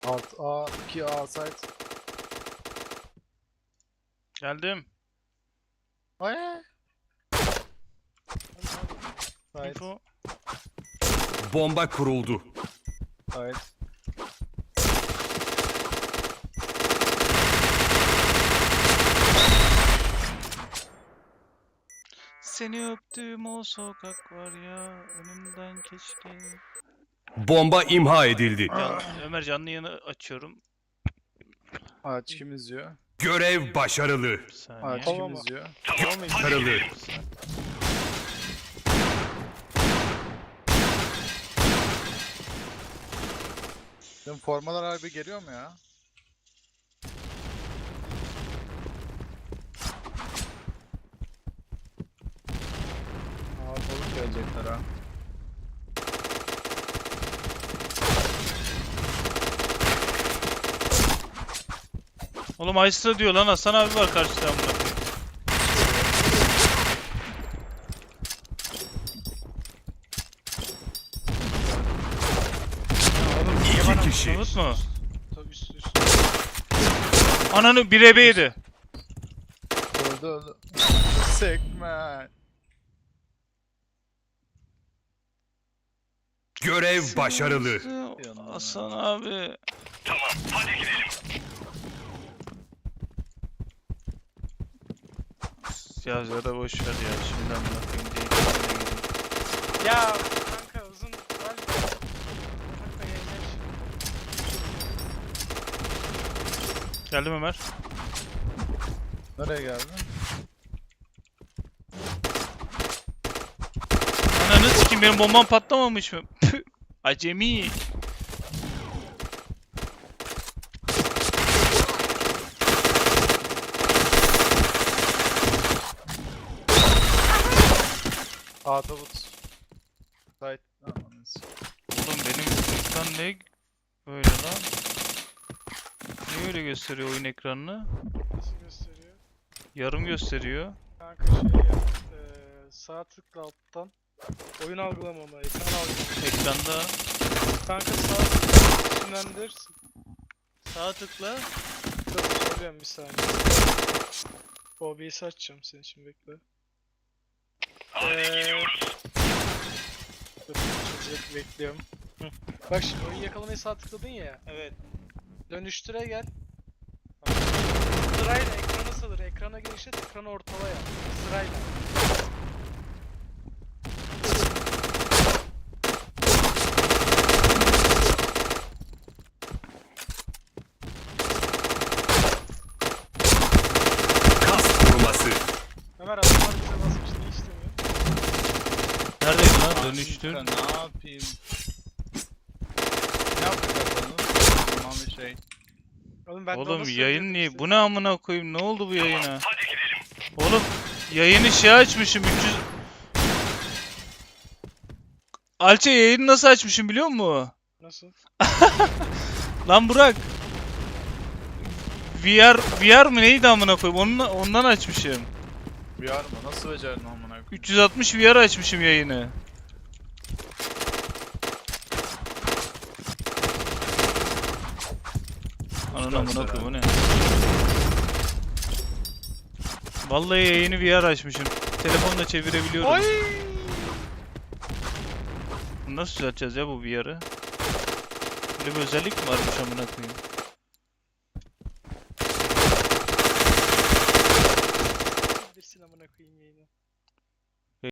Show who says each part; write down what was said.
Speaker 1: Alt A, 2 A site.
Speaker 2: Geldim.
Speaker 1: Ay. Site.
Speaker 2: Info.
Speaker 3: Bomba kuruldu.
Speaker 1: Site.
Speaker 2: Seni öptüğüm o sokak var ya, önünden keşke.
Speaker 3: Bomba imha edildi.
Speaker 2: Ömer canlı yayını açıyorum.
Speaker 1: Aç kim izliyor?
Speaker 3: Görev başarılı.
Speaker 2: Bir saniye.
Speaker 1: Aç kim izliyor?
Speaker 3: Başarılı.
Speaker 1: Benim formalar harbi geliyor mu ya? Aa balık gelecekler ha.
Speaker 2: Oğlum Aysra diyor lan, Hasan abi var karşıda amına koyayım.
Speaker 3: İki kişi.
Speaker 2: Umut mu?
Speaker 4: Tabii üst.
Speaker 2: Ananı 1 yedi.
Speaker 1: Öldü öldü. Sick man.
Speaker 3: Görev başarılı.
Speaker 2: Hasan abi. Ya da boş ver ya, şimdi amına koyayım diye kendine geleyim.
Speaker 4: Ya kanka uzun var ya. Kanka yayınlar.
Speaker 2: Geldim Ömer.
Speaker 1: Nereye geldin?
Speaker 2: Ananı sikeyim, benim bombam patlamamış mı? Püh, acemi.
Speaker 1: A tabut. Site. Aman
Speaker 2: Oğlum benim ekran ne böyle lan? Niye öyle gösteriyor oyun ekranını?
Speaker 4: Nasıl gösteriyor?
Speaker 2: Yarım gösteriyor.
Speaker 4: Kanka şey yap. Sağ tıkla alttan. Oyun algılamama, ekran algılama.
Speaker 2: Ekranda
Speaker 4: Kanka sağ tıkla isimlendir.
Speaker 2: sağ tıkla.
Speaker 4: Dur söylüyorum bir saniye. OBS'i açacağım senin için, bekle. Dur çözecek, bekliyorum. Hı. Bak şimdi oyun yakalamayı sağ tıkladın ya.
Speaker 2: Evet.
Speaker 4: Dönüştüre gel. Sırayla ekrana salır. Ekrana genişlet, ekranı ortala yap. Sırayla.
Speaker 3: Kas koruması.
Speaker 4: Ömer adamlar bize basmış, ne istemiyor?
Speaker 2: Neredeydi lan? Dönüştür.
Speaker 1: Ne yapayım? Ne yapıyor bakalım? Tamam bir şey.
Speaker 4: Oğlum ben de
Speaker 2: Oğlum
Speaker 4: onu
Speaker 2: yayın
Speaker 4: söylüyordum
Speaker 2: niye?
Speaker 4: size.
Speaker 2: Bu ne amına koyayım? Ne oldu bu yayına? Oğlum yayını şey açmışım 300. Alçe yayını nasıl açmışım biliyor musun?
Speaker 4: Nasıl?
Speaker 2: Lan Burak. VR mı neydi amına koyayım? Ondan açmışım.
Speaker 1: VR mı? Nasıl becerdin amına koyayım?
Speaker 2: 360 VR açmışım yayını. Ananı amına koyayım o ne? Vallahi yayını VR açmışım. Telefonla çevirebiliyorum.
Speaker 4: Oy!
Speaker 2: Bunu nasıl düzelteceğiz ya bu VR'ı? Böyle bir özellik mi varmış amına koyayım?
Speaker 4: Bir amına koyayım yayını.